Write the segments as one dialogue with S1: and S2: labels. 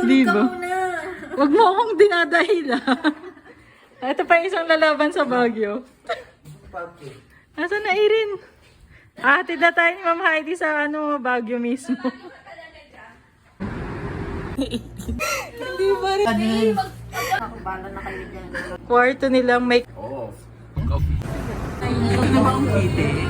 S1: Di ba? Huwag mo akong dinadahila. Ito pa yung isang lalaban sa Baguio. Nasaan na Irene? Hatid na tayo ni Ma'am Heidi sa Baguio mismo. Hindi ba rin? Kwarto nilang make...
S2: Ito naman ang meeting.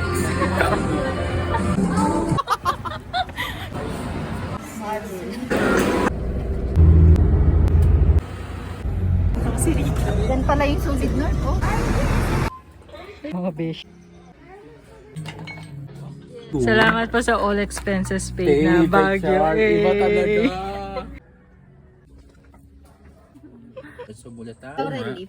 S3: Yan pala yung sulit nun, oh.
S1: Mga besh. Salamat po sa all expenses paid na Baguio.
S2: Iba talaga. Sumulat tayo.
S3: Relief.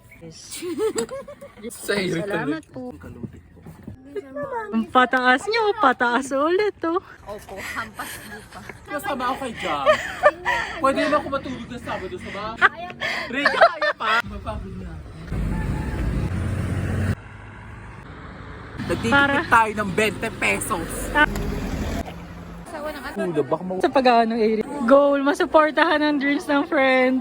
S2: Salamat
S3: po.
S1: Ang pataas nyo, pataas ulit oh.
S3: Opo, hampas lupa.
S2: Kasama ako kay Jam. Pwede naman ako matulog na Sabado sa bahay. Ray, kaya pa. Mapagod na. Nagtitipid tayo ng 20 pesos. Kulo, baka
S1: Sa pag-ano area. Goal, masuportahan ang dreams ng friend.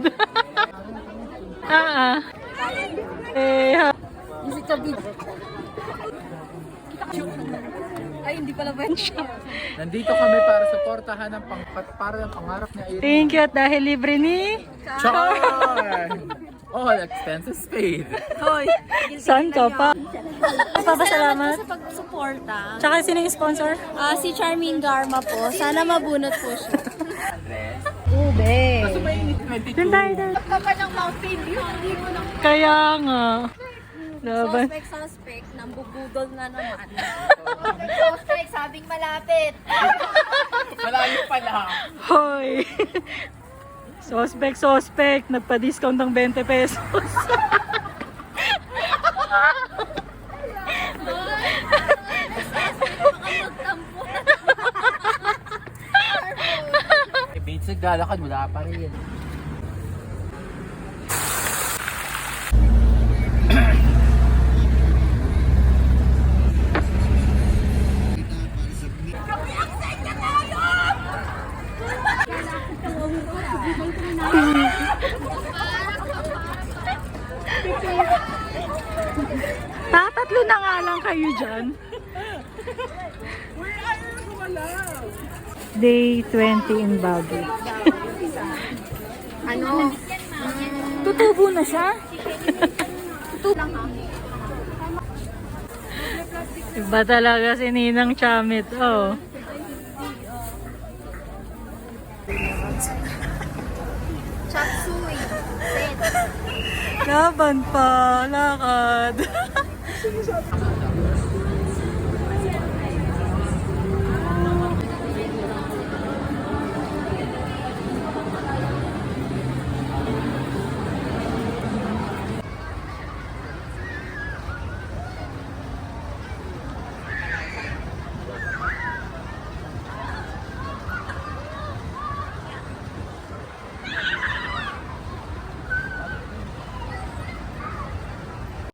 S3: Ay, hindi pala ba siya?
S2: Nandito kami para suportahan ng pangarap niya.
S1: Thank you at dahil libre ni...
S2: Char! All expenses paid.
S3: Hoy,
S1: Saan ka pa? Papasalamat.
S3: sa pagsuporta.
S1: Tsaka sino yung sponsor?
S3: Si Charmaine Garma po. Sana mabunot po siya.
S2: Andres.
S3: Ube.
S2: Kaso may 22.
S1: Doon tayo doon.
S3: Kapag ng mountain view, hindi mo lang
S1: Kaya nga. Laban.
S3: suspect, nambubudol na naman. Suspect, sabing malapit.
S2: Malayo pala.
S1: Hoy! Suspect. Nagpa-discount ng 20 pesos.
S2: Bates, naglalakad, wala pa rin.
S1: Tatatlo na nga lang kayo dyan. Day 20 in Baguio.
S3: Ano?
S1: Tutubo na siya? Iba talaga si Ninang Chamit. Oh.
S3: Chop suey. Set.
S1: Laban pa. Lakad.